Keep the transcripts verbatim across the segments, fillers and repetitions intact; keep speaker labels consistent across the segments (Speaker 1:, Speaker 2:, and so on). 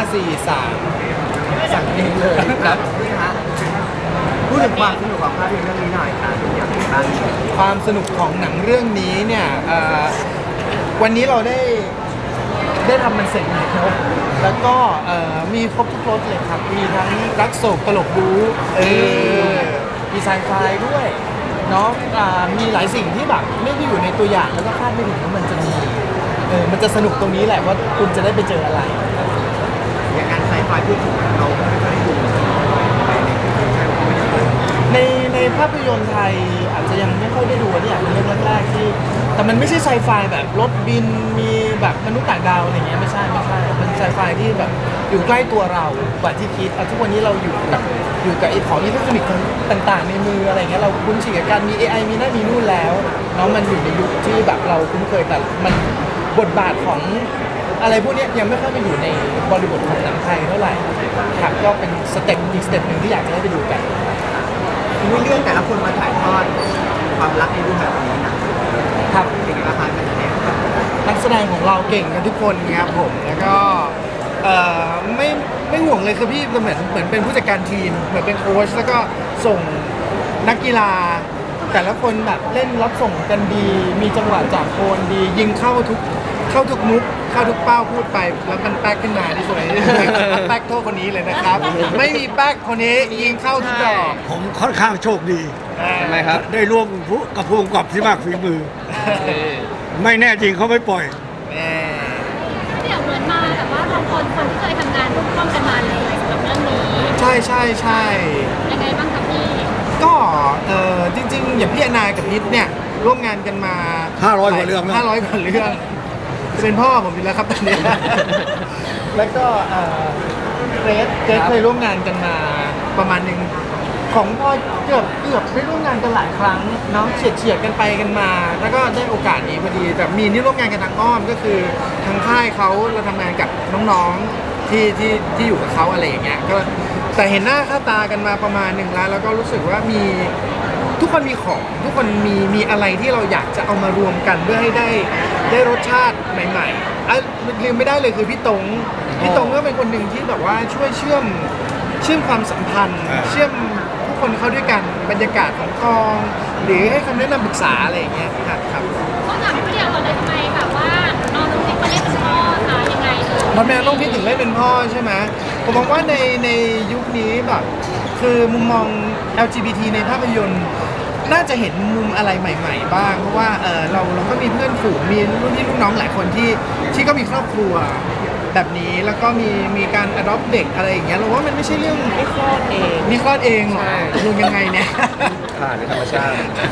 Speaker 1: สี่สามสั่งเองเลยครับนี่ฮะ
Speaker 2: พูดถึงความสนุกของภาพยนตร์เรื่องนี้หน่อยค่ะอย่างไรบ้าง
Speaker 1: ความสนุกของหนังเรื่องนี้เนี่ยเอ่อวันนี้เราได้ได้ทำมันเสร็จแล้วแล้วก็เอ่อมีครบทุกรสเลยครับมีทั้งรักโศกตลกบู๊เออมีไซไฟด้วยเนาะอ่ามีหลายสิ่งที่แบบไม่ได้อยู่ในตัวอย่างแล้วก็คาดไม่ถึงว่ามันจะมีเออมันจะสนุกตรงนี้แหละว่าคุณจะได้ไปเจออะไร
Speaker 2: อย่างการไซไฟพูดถึงเราไม่ค่อยได้ดูไปในคือใช่ผมไม่ได้ดู
Speaker 1: ในในภาพยนตร์ไทยอาจจะยังไม่ค่อยได้ดูอันนี้อาจเป็นเรื่องแรกๆที่แต่มันไม่ใช่ไซไฟแบบรถบินมีแบบมนุษย์ต่างดาวอะไรเงี้ยไม่ใช่ไม่ใช่มันไซไฟที่แบบอยู่ใกล้ตัวเรากว่าที่คิดอ่ะทุกวันนี้เราอยู่กับอยู่กับไอ้ของอิเล็กทรอนิกส์ต่างๆในมืออะไรเงี้ยเราคุ้นชินกับการมี เอ ไอ มีนั่นมีนู่นแล้วเนาะมันอยู่ในยุคที่แบบเราคุ้นเคยแต่มันบทบาทของอะไรพวกเนี้ยยังไม่ค่อยไปอยู่ในบริบทของหนังไทยเท่าไหร่ครับก็เป็นสเต็ปอีกสเต็ปหนึ่งที่อยากจะให้ไปดูกัน
Speaker 2: ทีนี้เรื่องแต่ละคนมาถ่ายทอดความรักในรูปแบบนี้นะครับ เป็นไงบ้างคะการแสดงครับ
Speaker 1: นักแสดงของเราเก่งกันทุกคนครับผมแล้วก็เอ่อไม่ไม่ห่วงเลยคือพี่เหมือนเหมือนเป็นผู้จัดการทีมเหมือนเป็นโค้ชแล้วก็ส่งนักกีฬา แต่ละคนแบบเล่นรับส่งกันดี มีจังหวะจากโคนดี ยิงเข้าทุกเข้าทุกมุกเข้าทุกเป้าพูดไปแล้วมันแป๊กขึ้นมาที่สวยแป๊กโทษคนนี้เลยนะครับ ไม่มีแป๊กคนนี้ยิงเข้าทุกดอก
Speaker 3: ผมค่อนข้างโชคดี
Speaker 1: ทำไมครับ
Speaker 3: ได้ร่วมกับผู้กำกับที่มากฝีมือ ไม่แน่จริงเขาไม่ปล่อย
Speaker 4: เดี๋ยวเหมือนมาแต่ว่าเราคนคนที่เคยทำงานร่วมร่วมกันมาเลยสำหรับเรื่องนี้
Speaker 1: ใช่ใช่ใช่
Speaker 4: ยังไงบ้างครับพี่
Speaker 1: ก็เออจริงๆ อย่างพี่อนากับนิดเนี่ยร่วมงานกันมา
Speaker 3: ห้าร้อยกว่าเรื่องแล้ว
Speaker 1: ห้าร้อยกว่าเรื่องเป็นพ่อผมอยู่แล้วครับตอนนี้ แล้วก็เอ่อเกรซเกรซเคยร่วมงานกันมาประมาณหนึ่งของพ่อเกือบเกือบได้ร่วมงานกันหลายครั้งเนาะเฉียดเฉียดๆกันไปกันมา แล้วก็ได้โอกาสนี้พอดี แต่มีนี่ร่วมงานกันทางอ้อมก็คือทางค่ายเขาเราทำงานกับน้องๆที่ที่ที่อยู่กับเขาอะไรอย่างเงี้ยก็แต่เห็นหน้าค่าตากันมาประมาณหนึ่งแล้ว แล้วก็รู้สึกว่ามี ทุกคนมีของทุกคนมีมีอะไรที่เราอยากจะเอามารวมกันเพื่อให้ได้ได้รสชาติใหม่ๆอ่ะลืมไม่ได้เลยคือพี่ตงพี่ตงก็เป็นคนหนึ่งที่แบบว่าช่วยเชื่อมเชื่อมความสัมพันธ์
Speaker 3: อ่า
Speaker 1: เชื่อมทุกคนเข้าด้วยกันบรรยากาศของกอง หรือให้คำแนะนำปรึกษาอะไรอย่างเงี้ยครับครับ
Speaker 4: ก็ถามพี่เดียวก่อนเลยทำไมแบบว่าน้องน้องติ๊กมาเล่นเป็นพ่อคะยังไงเออ
Speaker 1: เพราะแม่ต้องพี่ถึงเล่นเป็นพ่อใช่ไหมผมมองว่าในในยุคนี้แบบคือมุมมอง แอล จี บี ที ในภาพยนตร์น่าจะเห็นมุมอะไรใหม่ ๆ บ้าง เพราะว่าเออเราเราก็มีเพื่อนฝูงมีรุ่นพี่รุ่นน้องหลายคนที่ที่ก็มีครอบครัวแบบนี้แล้วก็มีมีการ adopt เด็กอะไรอย่างเงี้ยเราว่ามันไม่ใช่เรื่องไม่คลอดเองนี่คลอดเองเหรอตกลงยังไงเนี่ย
Speaker 5: ผ่านในธรรมชาติ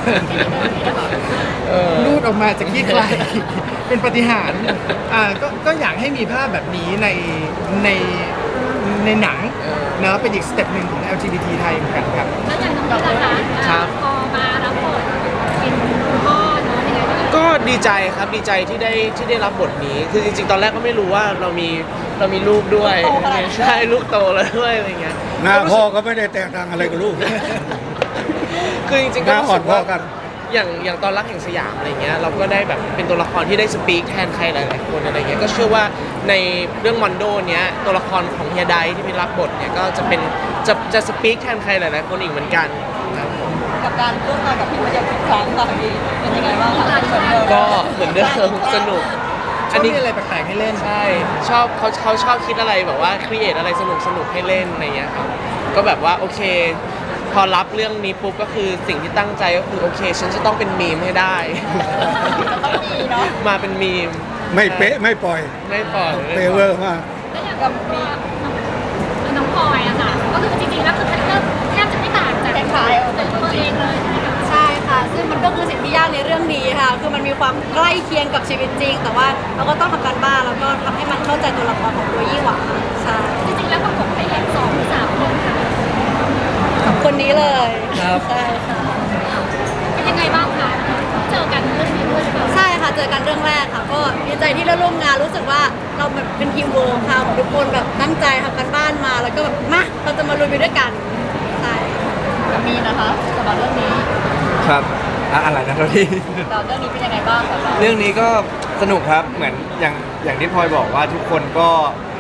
Speaker 1: รูดออกมาจากที่ใคร เป็นปาฏิหารย์อ่าก็ก็อยากให้มีภาพแบบนี้ในในในหนังเนอะเป็นอีกสเต็ปหนึ่งของ แอล จี บี ที ไทยเหมือนกันครับ
Speaker 4: แล้วอย่างน้องติ๊กล่ะคะ
Speaker 5: ครับ
Speaker 4: พอมารับบทเป็นคุณพ่อเนาะยังไงบ้าง
Speaker 5: ก็ดีใจครับดีใจที่ได้ที่ได้รับบทนี้ คือจริงๆ ตอนแรกก็ไม่รู้ว่าเรามีเรามีลูกด้วยใช่ลูกโตแล้วด้วยอะไรเงี้ย
Speaker 3: หน้าพ่อก็ไม่ได้แตกต่างอะไรกับลูก
Speaker 5: คือจริงๆ
Speaker 3: ห
Speaker 5: ก็
Speaker 3: น้า
Speaker 5: รู้
Speaker 3: อ่อ
Speaker 5: สึ
Speaker 3: น
Speaker 5: ก
Speaker 3: พ่อ
Speaker 5: ว่า
Speaker 3: กัน
Speaker 5: อย่างอย่างตอนรักแห่งสยามอะไรเงี้ยเราก็ได้แบบเป็นตัวละครที่ได้สปีกแทนใครหลายๆคนอะไรเงี้ยก็เชื่อว่าในเรื่องมอนโดเนี้ยตัวละครของเฮียไดที่เป็นรับบทเนี่ยก็จะเป็นจะจะสปีกแทนใครหลายๆคนอีกเหมือนกันครับผม
Speaker 6: กับการร่วมงานกับพี่มาเดียวทุกครั้งค่ะพี่เป็นยังไงบ้างคะเหมือนเดิม
Speaker 5: ก็เหมือนเดิมสนุก
Speaker 1: ชอบมีอะไรแปลกๆให้เล่น
Speaker 5: ใช่ชอบเขาเขาชอบคิดอะไรแบบว่าครีเอทอะไรสนุกสนุกให้เล่นอะไรเงี้ยครับก็แบบว่าโอเค พอรับเรื่องนี้ปุ๊บก็คือสิ่งที่ตั้งใจก็คือโอเค ฉันจะต้องเป็นมีมให้ได้
Speaker 6: ต้องมีเนาะ
Speaker 5: มาเป็นมีม
Speaker 3: ไม่เป๊ะไม่ปล่อย
Speaker 5: ไม่ปล่อย
Speaker 3: เปเวอร์มาก
Speaker 4: แล้วอย่างกับมีน้องพลอยอะค่ะก็คือจริงๆแล้วคือคาแรคเตอร์แทบจะไม่ต่างจาก
Speaker 6: คล้ายๆ
Speaker 4: ตัวตัวเองเลยใช่ไหมคะ
Speaker 6: ใช่ค่ะ ซึ่งมันก็คือสิ่งที่ยากในเรื่องนี้ค่ะ คือมันมีความใกล้เคียงกับชีวิตจริง แต่ว่าเราก็ต้องทำการบ้านแล้วก็ทำให้มันเข้าใจตัวละครของตัวยี่หว่าใช่
Speaker 4: จริงๆแล้วประกบพระเอกสองหรือสามคนค่ะ
Speaker 6: กับคนนี้เลย
Speaker 1: ครับ
Speaker 6: ใช่ค่ะ
Speaker 4: เป็นยังไงบ้างคะเจอกันเรื่องนี้ด้วยหรือเปล่า
Speaker 6: ใช่ค่ะ เจอกันเรื่องแรกค่ะ ก็ดีใจที่ได้ร่วมงาน รู้สึกว่าเราแบบเป็นทีมเวิร์คค่ะทุกคนแบบตั้งใจทำการบ้านมา แล้วก็แบบมาเราจะมาลุยไปด้วยกัน ใช่มีนะคะสำหรับเรื่องนี้
Speaker 7: ครับอะอะไรนะเราที่
Speaker 6: เราเรื่องนี้เป็นยังไงบ้างสำหรับ
Speaker 7: เรื่องนี้ก็สนุกครับเหมือนอย่างอย่างที่พลอยบอกว่าทุกคนก็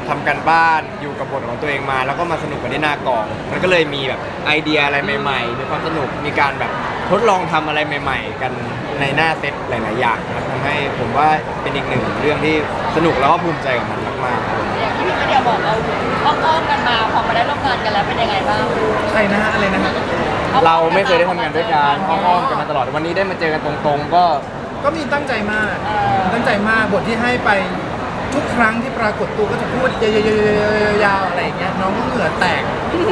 Speaker 7: ทำกันบ้านอยู่กับบทของตัวเองมาแล้วก็มาสนุกกันที่หน้ากอง มันก็เลยมีแบบไอเดียอะไรใหม่ๆมีความสนุกมีการแบบทดลองทำอะไรใหม่ ๆ กันในหน้าเซตหลายๆอย่างนะครับทำให้ผมว่าเป็นอีกหนึ่งเรื่องที่สนุกแล้วก็ภูมิใจกับมันมากๆครับ
Speaker 6: อย่างที่พี่มาเดียวบอกเราอ้อมๆกันมาพอมาได้ร่วมงานกันแล้วเป็นยังไงบ้าง
Speaker 1: ใครนะฮะอะไรนะฮะ
Speaker 7: เราไม่เคยได้ทำงานด้วยกันอ้อมๆกันมาตลอดวันนี้ได้มาเจอกันตรงๆ ก็
Speaker 1: ก็มีตั้งใจมาก ตั้งใจมากบทที่ให้ไปทุกครั้งที่ปรากฏตัวก็จะพูดยาวๆๆๆๆอะไรอย่างเงี้ยน้องก็เหงื่อแตก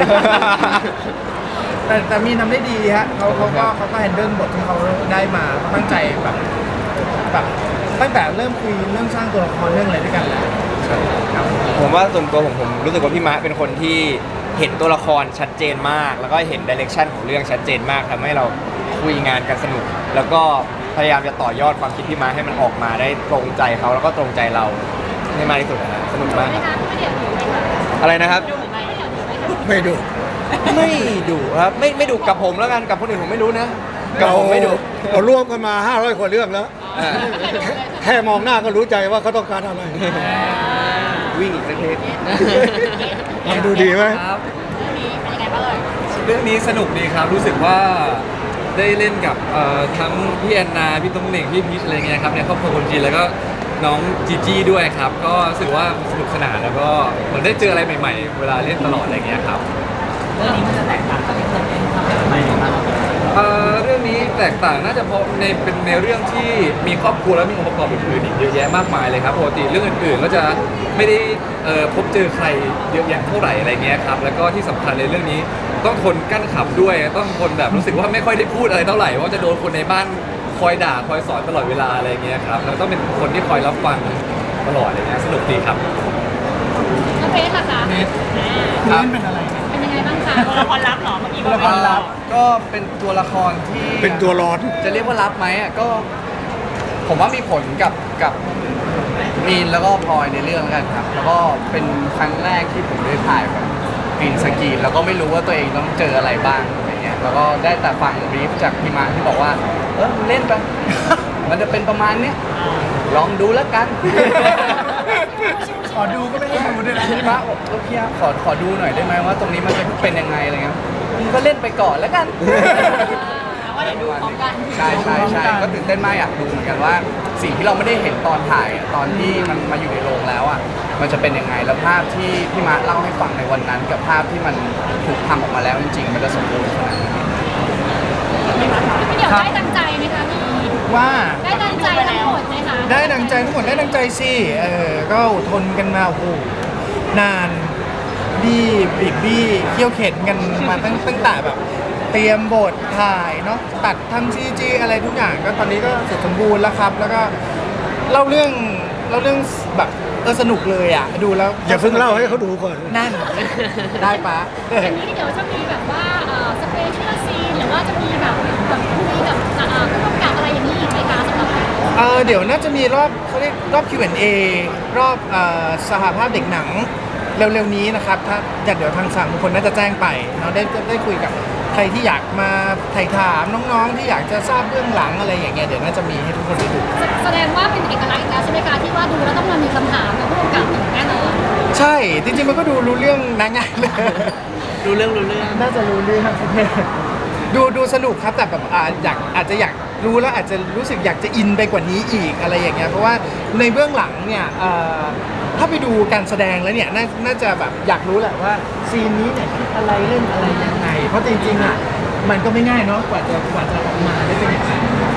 Speaker 1: แต่แต่มีทำได้ดีฮะเขาเขาก็เขาก็แฮนเดิลบทที่เขาได้มาตั้งใจแบบแบบตั้งแต่เริ่มคุยเริ่มสร้างตัวละครเรื่องอะไรด้วยกันแล้ว
Speaker 7: ผมว่าส่วนตัวผมผมรู้สึกว่าพี่มะเป็นคนที่เห็นตัวละครชัดเจนมาก แล้วก็เห็นดิเรกชันของเรื่องชัดเจนมากทำให้เราคุยงานกันสนุก แล้วก็พยายามจะต่อยอดความคิดพี่มะให้มันออกมาได้ตรงใจเขาแล้วก็ตรงใจเราให้มากที่สุดนะฮะสนุกมาก
Speaker 4: ไหม
Speaker 7: ครับ
Speaker 4: คะไม่เดี๋ยวดูไหมคะ
Speaker 7: อะไรนะครับ
Speaker 4: ดูไหมไม่เดี๋ยวดูไหมคะ
Speaker 3: ไม่ดู
Speaker 7: ไม่ดุครับไม่ไม่ดุกับผมแล้วกันกับคนอื่นผมไม่รู้นะกับผมไม่ดุ
Speaker 3: เราร่วมกันมาห้าร้อยกว่าเรื่องแล้ว
Speaker 7: อ่า
Speaker 3: แค่มองหน้าก็รู้ใจว่าเขาต้องการอะไร
Speaker 7: วิ่งอีกสักเทป
Speaker 3: ทำดูดีไหม
Speaker 6: ครับ
Speaker 4: เรื่องนี้เป็นยังไงบ้างเอ่ย
Speaker 8: เรื่องนี้สนุกดีครับ รู้สึกว่าได้เล่นกับเอ่อทั้งพี่แอนนาพี่ตุ้งเหน่งพี่พีชอะไรเงี้ยครับในครอบครัวคนจีนแล้วก็น้องจีจี้ด้วยครับ ก็รู้สึกว่าสนุกสนานแล้วก็เหมือนได้เจออะไรใหม่ๆ เวลาเล่นตลอดอะไรเงี้ยครับ
Speaker 2: เรื่องนี้มันจะแตกต่างจากที่เคยเล่นทำอะไรใหม่ๆบ้าง
Speaker 8: เอ่อเรื่องนี้แตกต่างน่าจะเพราะในเป็นในเรื่องที่มีครอบครัวและมีองค์ประกอบอื่นๆอีกเยอะแยะมากมายเลยครับปกติเรื่องอื่นๆก็จะไม่ได้เอ่อพบเจอใครเยอะแยะเท่าไหร่อะไรเงี้ยครับแล้วก็ที่สำคัญในเรื่องนี้ต้องทนกั้นขำด้วยต้องทนแบบรู้สึกว่าไม่ค่อยได้พูดอะไรเท่าไหร่เพราะจะโดนคนในบ้านคอยด่าคอยสอนตลอดเวลาอะไรเงี้ยครับแล้วต้องเป็นคนที่คอยรับฟังตลอดอะไรเงี้ยสนุกดีครับ
Speaker 4: น้องเบสล่ะคะ
Speaker 1: เบส
Speaker 4: อ่า
Speaker 1: เล่นเป็นอะไรนะ
Speaker 4: เป็นยังไงบ้างคะตัวละครลับเหรอเมื่อกี้
Speaker 1: ตัวละครลับ
Speaker 7: ก็เป็นตัวละครที่
Speaker 3: เป็นตัวร้อน
Speaker 7: จะเรียกว่ารับไหมอ่ะก็ ผมว่ามีผลกับกับมีนแล้วก็พลอยในเรื่องแล้วกันครับ แล้วก็เป็นครั้งแรกที่ผมได้ถ่ายแบบกรีนสกรีนแล้วก็ไม่รู้ว่าตัวเองต้องเจออะไรบ้างอะไรเงี้ยแล้วก็ได้แต่ฟังบรีฟจากพี่มาที่บอกว่า เออเล่นไป มันจะเป็นประมาณเนี้ยลองดูแล้วกัน
Speaker 1: ขอดูก็ไม่ให้ดูด้วยนะ
Speaker 7: พี่มาบอกเออพี่อาขอขอดูหน่อยได้ไหมว่าตรงนี้มันจะเป็นยังไงอะไรเงี้ยมึงก็เล่นไปก่อนแล้วกัน
Speaker 6: ว่าเดี๋ยวดูพร้อมกัน
Speaker 7: ใช่ใช่ใช่ก็ตื่นเต้นมากอยากดูเหมือนกันว่าสิ่งที่เราไม่ได้เห็นตอนถ่ายอะตอนที่มันมาอยู่ในโรงแล้วอ่ะมันจะเป็นยังไงแล้วภาพที่พี่มาร์คเล่าให้ฟังในวันนั้น กับภาพที่มันถูกทำออกมาแล้วจริงๆ มันจะสมบูรณ์ขนาดไหน
Speaker 4: พี่เดี๋ยวได้ดังใจไหมคะพี่
Speaker 1: ว่า
Speaker 4: ได้ดังใจทั้งหมดไหมคะ
Speaker 1: ได้ดังใจทั้งหมดได้ดังใจสิเออก็อดทนกันมาโอ้โหนานบี้บีบบี้เขี่ยวเข็นกันมาตั้งตั้งแต่แบบ เตรียมบทถ่ายเนาะตัดทำซีจีอะไรทุกอย่างก็ตอนนี้ก็เสร็จสมบูรณ์แล้วครับ แล้วก็เล่าเรื่องเล่าเรื่องแบบเออสนุกเลยอ่ะดูแล้ว
Speaker 3: อย่าเพิ่งเล่าให้เขาดูก่อน
Speaker 1: นั่น ได้ปะ
Speaker 4: อย่างนี้เดี๋ยวจะมีแบบว่าสเปเชียลซีนหรือว่าจะมีแบบแบบคุยกับอ่าผู้กำกับอะไรอย่างนี้อีกไหมคะสำหรับ
Speaker 1: เออเดี๋ยวน่าจะมีรอบเขาเรียกรอบ คิว แอนด์ เอ รอบเอ่อสหภาพเด็กหนังเร็วๆนี้นะครับถ้าเดี๋ยวทางสามคนน่าจะแจ้งไปเราได้ได้คุยกับใครที่อยากมาไถ่ถามน้องๆที่อยากจะทราบเบื้องหลังอะไรอย่างเงี้ยเดี๋ยวน่าจะมีให้ทุกคนได้ดู
Speaker 4: แสดงว่าเป็นเอกลักษณ์อีกแล้วใช่ไหมคะที่ว่าดูแล้วต้องมามีคำถามกับผู้กำกับแน่นอน
Speaker 1: ใช่จริงๆมันก็ดูรู้เรื่องนะง่ายเลย
Speaker 5: รู้เรื่องรู้เรื่อง
Speaker 1: น่าจะรู้เรื่องดูดูสนุกครับแต่แบบอ่าอยากอาจจะอยากรู้แล้วอาจจะรู้สึกอยากจะอินไปกว่านี้อีกอะไรอย่างเงี้ยเพราะว่าในเบื้องหลังเนี่ยเอ่อถ้าไปดูการแสดงแล้วเนี่ยนาน่าจะแบบอยากรู้แหละว่าซีนนี้เนี่ยคิดอะไรเล่นอะไรยังไง เพราะจริงๆอ่ะมันก็ไม่ง่ายเนาะกว่าจะกว่าจะออกมาได้เป็นอย่างนั้น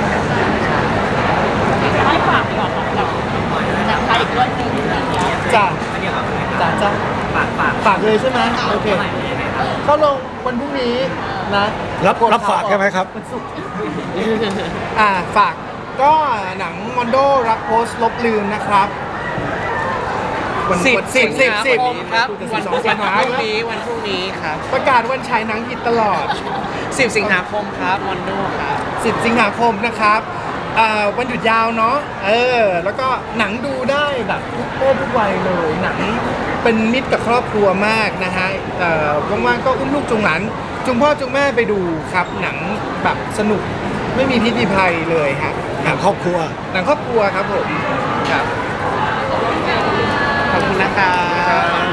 Speaker 6: ให้ฝากดีกว่าค่ะกับจากใครอีกเรื่องหนึงอะไรอย่างเงี้ย
Speaker 1: จ้า
Speaker 2: อันนี้ครับ
Speaker 1: จ้าจ้า
Speaker 2: ฝากฝาก
Speaker 1: ฝากเลยใช่ไหมโอเค
Speaker 2: ใหม่เป็นยังไงครับ
Speaker 1: เข้าลงวันพรุ่งนี้นะ
Speaker 3: รับรับฝากใช่ไหมครับ
Speaker 1: วันศุกร์อ่าฝากก็หนังมอนโดรักโพสต์ลบลืมนะครับวัน
Speaker 5: สิบ
Speaker 1: สิบสิบสิบ
Speaker 5: ครับวัน
Speaker 1: ส
Speaker 5: พ
Speaker 1: องสิ
Speaker 5: รุ่
Speaker 1: ง
Speaker 5: ง
Speaker 1: หาคม
Speaker 5: นี้วันพรุ่งนี้ครับ
Speaker 1: ประกาศวันฉายหนังผิดตลอด
Speaker 5: สิบสิงหาคมครับมอนโดครับ
Speaker 1: สิบสิงหาคมนะครับอ่าวันหยุดยาวเนาะเออแล้วก็หนังดูได้แบบทุกเพศทุกวัยเลย หนังเป็นมิตรกับครอบครัวมากนะฮะเอ่อว่างๆก็อุ้มลูกจุงหลานจุงพ่อจุงแม่ไปดูครับหนังแบบสนุกไม่มีพิษมีภัยเลยฮะ
Speaker 3: หนังครอบครัว
Speaker 1: หนังครอบครัวครับผมครับขอบคุณ
Speaker 5: นะคะ